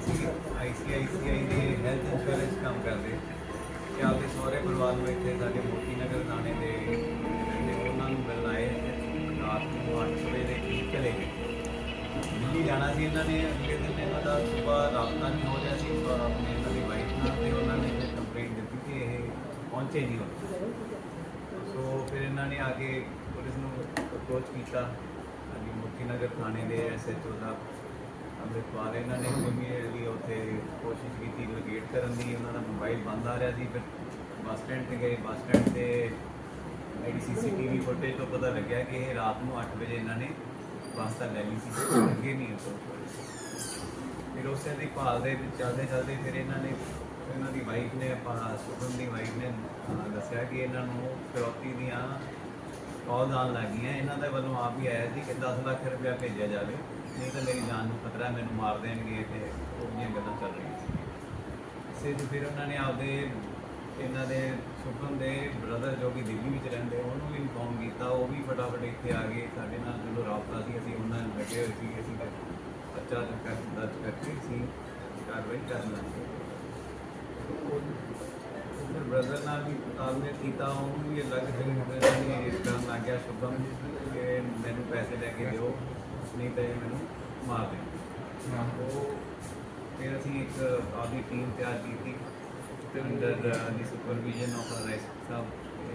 ICICI ਦੇ health insurance ਕੰਮ ਕਰਦੇ ਤੇ ਆਪਦੇ ਸਹੁਰੇ ਪਰਿਵਾਰ ਨੂੰ ਇੱਥੇ ਸਾਡੇ ਮੋਤੀ ਨਗਰ ਥਾਣੇ ਦੇ ਰਹਿੰਦੇ ਉਹਨਾਂ ਨੂੰ ਮਿਲਣ ਆਏ ਰਾਤ ਨੂੰ 8 ਵਜੇ ਦੇ ਕਰੀਬ ਚਲੇ ਗਏ। ਦਿੱਲੀ ਜਾਣਾ ਸੀ ਇਹਨਾਂ ਨੇ। ਅਗਲੇ ਦਿਨ ਇਹਨਾਂ ਦਾ ਸੁਬਾਹ ਰਾਬਤਾ ਨਹੀਂ ਹੋ ਰਿਹਾ ਸੀ ਆਪਣੇ ਇਹਨਾਂ ਦੀ ਵਾਈਫ ਨਾਲ ਤੇ ਉਹਨਾਂ ਨੇ ਫਿਰ ਕੰਪਲੇਂਟ ਦਿੱਤੀ ਕਿ ਇਹ ਪਹੁੰਚੇ ਨਹੀਂ ਹੋਏ। ਸੋ ਫਿਰ ਇਹਨਾਂ ਨੇ ਆ ਕੇ ਪੁਲਿਸ ਨੂੰ ਅਪਰੋਚ ਕੀਤਾ। ਹਾਂਜੀ, ਮੋਤੀ ਨਗਰ ਥਾਣੇ ਦੇ SHO ਦਾ ਅੰਮ੍ਰਿਤਪਾਲ ਇਹਨਾਂ ਨੇ ਇਮੀਡੀਏਟਲੀ ਉੱਥੇ ਕੋਸ਼ਿਸ਼ ਕੀਤੀ ਲੋਕੇਟ ਕਰਨ ਦੀ। ਉਹਨਾਂ ਦਾ ਮੋਬਾਈਲ ਬੰਦ ਆ ਰਿਹਾ ਸੀ। ਫਿਰ ਬੱਸ ਸਟੈਂਡ 'ਤੇ ਗਏ। ਬੱਸ ਸਟੈਂਡ 'ਤੇ ਮੇਰੀ CCTV ਫੁਟੇਜ ਤੋਂ ਪਤਾ ਲੱਗਿਆ ਕਿ ਇਹ ਰਾਤ ਨੂੰ 8 ਵਜੇ ਇਹਨਾਂ ਨੇ ਬੱਸ ਤਾਂ ਲੈ ਲਈ ਸੀ, ਅੱਗੇ ਨਹੀਂ ਫਿਰ ਉਸੇ ਦੀ ਭਾਲ ਦੇ ਵਿੱਚ ਚੱਲਦੇ ਫਿਰ ਇਹਨਾਂ ਨੇ ਇਹਨਾਂ ਦੀ ਵਾਈਫ ਨੇ ਸੁਖਮ ਦੀ ਵਾਈਫ ਨੇ ਦੱਸਿਆ ਕਿ ਇਹਨਾਂ ਨੂੰ ਫਿਰੌਤੀ ਦੀਆਂ ਕਾਲ ਆਉਣ ਲੱਗ ਗਈਆਂ। ਇਹਨਾਂ ਦੇ ਵੱਲੋਂ ਆਪ ਹੀ ਆਇਆ ਸੀ ਕਿ 10 ਲੱਖ ਰੁਪਇਆ ਭੇਜਿਆ ਜਾਵੇ, ਨਹੀਂ ਤਾਂ ਮੇਰੀ ਜਾਨ ਨੂੰ ਖਤਰਾ, ਮੈਨੂੰ ਮਾਰ ਦੇਣਗੇ। ਤੇ ਉਹਦੀਆਂ ਗੱਲਾਂ ਚੱਲ ਰਹੀਆਂ ਸੀ। ਇਸੇ 'ਚ ਫਿਰ ਉਹਨਾਂ ਨੇ ਆਪਦੇ ਇਹਨਾਂ ਦੇ ਸੁਖਮ ਦੇ ਬ੍ਰਦਰ ਜੋ ਕਿ ਦਿੱਲੀ ਵਿੱਚ ਰਹਿੰਦੇ ਉਹਨੂੰ ਵੀ ਇਨਫੋਰਮ ਕੀਤਾ। ਉਹ ਵੀ ਫਟਾਫਟ ਇੱਥੇ ਆ ਗਏ। ਸਾਡੇ ਨਾਲ ਜਦੋਂ ਰਾਬਤਾ ਸੀ ਅਸੀਂ ਉਹਨਾਂ ਨੂੰ ਲੱਗੇ ਹੋਏ ਸੀ। ਅਸੀਂ ਬੱਚਾ ਦਰਜ ਕਰਕੇ ਅਸੀਂ ਕਾਰਵਾਈ ਕਰਨ ਲੱਗੇ। ਫਿਰ ਬ੍ਰਦਰ ਨਾਲ ਵੀ ਤਾਲਮੇਲ ਕੀਤਾ। ਉਹਨੂੰ ਵੀ ਅਲੱਗ ਜਗ੍ਹਾ ਇਸ ਕਰਨ ਲੱਗ ਗਿਆ ਸੁਖਮ ਕਿ ਮੈਨੂੰ ਪੈਸੇ ਲੈ ਕੇ ਦਿਓ, ਨਹੀਂ ਤਾਂ ਇਹ ਮੈਨੂੰ ਮਾਰ ਦੇ। ਉਹ ਫਿਰ ਅਸੀਂ ਇੱਕ ਆਪਦੀ ਟੀਮ ਤਿਆਰ ਕੀਤੀ ਤੇ ਅੰਡਰ ਦੀ ਸੁਪਰਵਿਜ਼ਨ ਆਫ ਸਾਹਿਬ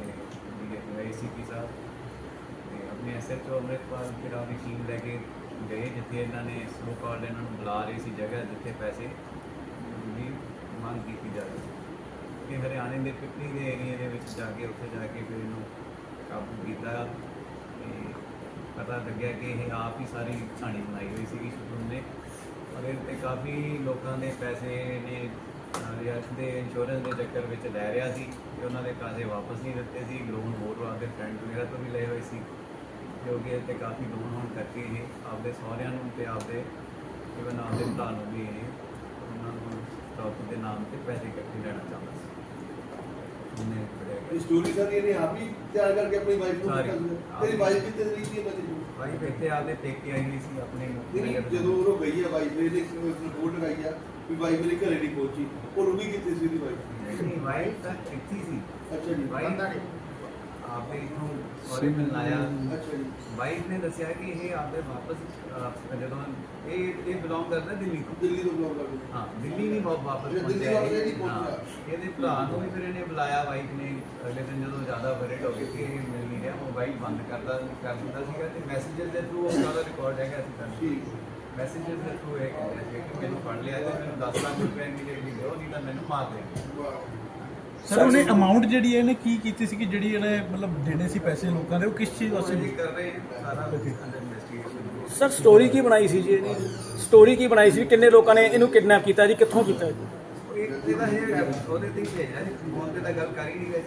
ACP ਸਾਹਿਬ ਤੇ ਆਪਣੇ SHO ਅੰਮ੍ਰਿਤਪਾਲ ਫਿਰ ਆਪਦੀ ਟੀਮ ਲੈ ਕੇ ਗਏ ਜਿੱਥੇ ਇਹਨਾਂ ਨੇ ਸਲੋ ਕਾਲ ਇਹਨਾਂ ਨੂੰ ਬੁਲਾ ਰਹੇ ਸੀ ਜਗ੍ਹਾ ਜਿੱਥੇ ਪੈਸੇ ਦੀ ਮੰਗ ਕੀਤੀ ਜਾ ਰਹੀ ਸੀ। ਕਿ ਹਰਿਆਣੇ ਦੇ ਪਿਪਲੀ ਦੇ ਏਰੀਏ ਦੇ ਵਿੱਚ ਜਾ ਕੇ ਉੱਥੇ ਜਾ ਕੇ ਫਿਰ ਇਹਨੂੰ ਕਾਬੂ ਕੀਤਾ ਤੇ ਪਤਾ ਲੱਗਿਆ ਕਿ ਇਹ ਆਪ ਹੀ ਸਾਰੀ ਕਹਾਣੀ ਬਣਾਈ ਹੋਈ ਸੀਗੀ ਸੁਖਮ ਨੇ। ਔਰ ਇਹ 'ਤੇ ਕਾਫੀ ਲੋਕਾਂ ਦੇ ਪੈਸੇ ਨੇ ਰਿਆਸਤ ਦੇ ਇੰਸ਼ੋਰੈਂਸ ਦੇ ਚੱਕਰ ਵਿੱਚ ਲੈ ਰਿਹਾ ਸੀ ਤੇ ਉਹਨਾਂ ਦੇ ਪੈਸੇ ਵਾਪਸ ਨਹੀਂ ਦਿੱਤੇ ਸੀ। ਲੋਨ ਹੋਰ ਆਪਦੇ ਫਰੈਂਡ ਵਗੈਰਾ ਤੋਂ ਵੀ ਲਏ ਹੋਏ ਸੀ ਜੋ ਕਿ ਇੱਥੇ ਕਾਫੀ ਲੋਨ ਹੋਣ ਕਰਕੇ ਇਹ ਆਪਦੇ ਸਹੁਰਿਆਂ ਨੂੰ ਤੇ ਆਪਦੇ ਇਵਨ ਆਪਦੇ ਭਰਾ ਨੂੰ ਵੀ ਇਹ ਉਹਨਾਂ ਨੂੰ ਸਟਾਕ ਦੇ ਨਾਮ 'ਤੇ ਪੈਸੇ ਇਕੱਠੇ ਲੈਣਾ ਚਾਹੁੰਦਾ ਸੀ। ਉਹਨੇ ਫੜਿਆ ਸਟੋਰੀ ਸਾਰੀ ਇਹਨੇ ਆਪ ਹੀ ਤਿਆਰ ਕਰਕੇ ਆਪਣੀ ਵਾਈਫ ਨੂੰ ਤੇਰੀ ਵਾਈਫ ਕਿੱਥੇ ਰਹੀ ਸੀ ਬੱਚੇ ਨੂੰ? ਵਾਈਫ ਇੱਥੇ ਆਪਦੇ ਪੇਕੇ ਆਈ ਹੋਈ ਸੀ ਆਪਣੇ ਜਦੋਂ ਉਹ ਗਈ ਆ ਵਾਈਫ ਨੇ ਰਿਪੋਰਟ ਲਗਾਈ ਆ ਵੀ ਵਾਈਫ ਮੇਰੇ ਘਰੇ ਨਹੀਂ ਪਹੁੰਚੀ। ਉਹ ਰੁਕੀ ਕਿੱਥੇ ਸੀ ਦੀ ਵਾਈਫ? ਨਹੀਂ, ਵਾਈਫ ਤਾਂ ਇੱਥੇ ਸੀ। ਅੱਛਾ ਜੀ। ਵਾਈਫ ਆਪੇ ਇੱਥੋਂ ਸਹੁਰੇ ਮਿਲਣ ਆਇਆ। ਅੱਛਾ ਜੀ। ਵਾਈਫ ਨੇ ਦੱਸਿਆ ਕਿ ਇਹ ਆਪਦੇ ਵਾਪਸ ਜਦੋਂ ਇਹ ਬਿਲੋਂਗ ਕਰਦਾ ਦਿੱਲੀ ਤੋਂ। ਦਿੱਲੀ ਤੋਂ ਬਿਲੋਂਗ ਕਰਦਾ। ਹਾਂ, ਦਿੱਲੀ ਨਹੀਂ ਵਾਪਸ ਦਿੱਲੀ ਵਾਪਸ ਨਹੀਂ ਪਹੁੰਚਿਆ। ਇਹਦੇ ਭਰਾ ਨੂੰ ਵੀ ਫਿਰ ਇਹਨੇ ਬੁਲਾਇਆ ਵਾਈਫ ਨੇ। ਅਗਲੇ ਦਿਨ ਜਦੋਂ ਜ਼ਿਆਦਾ ਵਰਡ ਹੋ ਗਏ ਕਿ ਇਹ ਮਿਲ ਨਹੀਂ ਰਿਹਾ, ਮੋਬਾਈਲ ਬੰਦ ਕਰ ਦਿੰਦਾ ਸੀਗਾ ਤੇ ਮੈਸੇਜਸ ਦੇ ਥਰੂ ਉਹ ਸਾਰਾ ਰਿਕਾਰਡ ਹੈਗਾ ਸੀ ਤਾਂ ਠੀਕ। ਮੈਸੇਜਸ ਦੇ ਥਰੂ ਇਹ ਕਹਿੰਦਾ ਸੀ ਕਿ ਮੈਨੂੰ ਫੜ ਲਿਆ ਤੇ ਮੈਨੂੰ 10 ਲੱਖ ਰੁਪਏ ਇਮੀਡੀਏਟਲੀ ਦਿਓ, ਨਹੀਂ ਤਾਂ ਮੈਨੂੰ ਮਾਰ ਦੇਣਗੇ। ਸਰ ਉਹਨੇ ਅਮਾਉਂਟ ਜਿਹੜੀ ਇਹਨੇ ਕੀ ਕੀਤੀ ਸੀ ਕਿ ਜਿਹੜੀ ਇਹਨੇ ਮਤਲਬ ਦੇਣੇ ਸੀ ਪੈਸੇ ਲੋਕਾਂ ਦੇ, ਉਹ ਕਿਸ ਚੀਜ਼ ਵਾਸਤੇ ਕਰ ਰਹੇ ਸਾਰਾ ਇਨਵੈਸਟੀਗੇਸ਼ਨ। ਸਰ ਸਟੋਰੀ ਕੀ ਬਣਾਈ ਸੀ ਜੀ ਇਹਦੀ? ਸਟੋਰੀ ਕੀ ਬਣਾਈ ਸੀ? ਕਿੰਨੇ ਲੋਕਾਂ ਨੇ ਇਹਨੂੰ ਕਿਡਨੈਪ ਕੀਤਾ ਜੀ? ਕਿੱਥੋਂ ਕੀਤਾ ਜੀ? ਇਹਦਾ ਇਹ ਉਹਦੇ ਤੇ ਹੀ ਭੇਜਿਆ ਜੀ, ਫੋਨ ਤੇ ਤਾਂ ਗੱਲ ਕਰ ਹੀ ਨਹੀਂ ਗਏ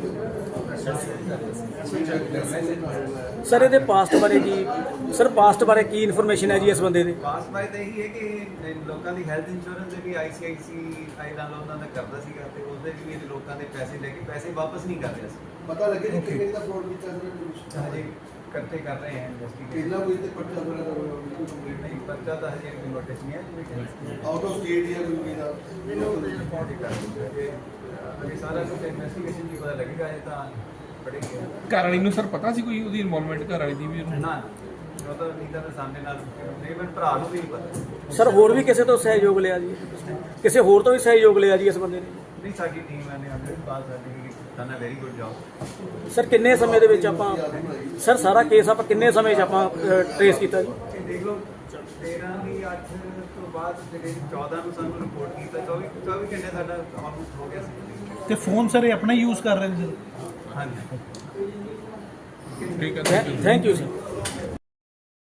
ਸਰ ਇਹਦੇ ਪਾਸਟ ਬਾਰੇ ਜੀ, ਸਰ ਪਾਸਟ ਬਾਰੇ ਕੀ ਇਨਫੋਰਮੇਸ਼ਨ ਹੈ ਜੀ ਇਸ ਬੰਦੇ ਦੇ? ਪਾਸ ਬਾਈ ਤਾਂ ਇਹੀ ਹੈ ਕਿ ਲੋਕਾਂ ਦੀ ਹੈਲਥ ਇੰਸ਼ੋਰੈਂਸ ਦੇ ਵੀ ICICI ਨਾਲ ਉਹਨਾਂ ਦਾ ਕਰਦਾ ਸੀਗਾ ਤੇ ਉਹਦੇ ਵੀ ਇਹ ਲੋਕਾਂ ਦੇ ਪੈਸੇ ਲੈ ਕੇ ਪੈਸੇ ਵਾਪਸ ਨਹੀਂ ਕਰ ਰਿਹਾ ਸੀ। ਪਤਾ ਲੱਗੇ ਕਿ ਕਿੰਨੇ ਦਾ ਫਰਾਡ ਕੀਤਾ ਸਰ? ਹਜੇ ਇਕੱਠੇ ਕਰ ਰਹੇ ਹਨ ਇਨਵੈਸਟੀਗੇਸ਼ਨ। ਕਿੰਨਾ ਕੋਈ ਤੇ ਪਰਚਾ ਵਗੈਰਾ ਬਿਲਕੁਲ ਕੰਪਲੀਟ ਨਹੀਂ, ਪਰਚਾ ਤਾਂ ਹਜੇ ਕੋਈ ਨੋਟਿਸ ਨਹੀਂ ਹੈ। ਆਊਟ ਆਫ ਸਟੇਟ ਜਾਂ ਕੋਈ ਦਾ ਰਿਪੋਰਟ ਕਰ ਦਿੰਦੇ ਅਜੇ ਸਾਰਾ ਕੁਝ ਇਨਵੈਸਟੀਗੇਸ਼ਨ ਦੀ ਪਤਾ ਲੱਗੇਗਾ। ਇਹ ਤਾਂ ਬੜੇ ਘਰ ਵਾਲੀ ਨੂੰ ਸਰ ਪਤਾ ਸੀ ਕੋਈ ਉਹਦੀ ਇਨਵੋਲਵਮੈਂਟ ਘਰ ਵਾਲੀ ਦੀ ਵੀ? ਨਾ ਉਹ ਤਾਂ ਨਹੀਂ ਤਾਂ ਸਾਹਮਣੇ ਨਾਲ ਨਹੀਂ, ਭਰਾ ਨੂੰ ਵੀ ਨਹੀਂ ਪਤਾ। ਸਰ ਹੋਰ ਵੀ ਕਿਸੇ ਤੋਂ ਸਹਿਯੋਗ ਲਿਆ ਜੀ? ਕਿਸੇ ਹੋਰ ਤੋਂ ਵੀ ਸਹਿਯੋਗ ਲਿਆ ਜੀ ਇਸ ਬੰਦੇ ਨੇ? ਨਹੀਂ, ਸਾਡੀ ਟੀਮ ਨੇ ਅੰਮ੍ਰਿਤਪਾਲ ਸਾਡੀ done a very good job. Sir ਕਿੰਨੇ ਸਮੇਂ ਦੇ ਵਿੱਚ ਆਪਾਂ ਸਰ ਸਾਰਾ ਕੇਸ ਆਪਾਂ ਕਿੰਨੇ ਸਮੇਂ 'ਚ ਆਪਾਂ ਟਰੇਸ ਕੀਤਾ ਜੀ? ਇਹ ਦੇਖ ਲਓ 13 ਦੀ 8 ਤੋਂ ਬਾਅਦ ਜਿਹੜੇ 14 ਨੂੰ ਸਾਨੂੰ ਰਿਪੋਰਟ ਕੀਤਾ, 24 ਘੰਟੇ ਸਾਡਾ ਆਲਮੋਸਟ ਹੋ ਗਿਆ ਸੀ। ਤੇ ਫੋਨ ਸਰ ਇਹ ਆਪਣਾ ਯੂਜ਼ ਕਰ ਰਹੇ ਨੇ ਸਰ? ਹਾਂਜੀ, ਠੀਕ ਹੈ, ਥੈਂਕ ਯੂ ਸਰ।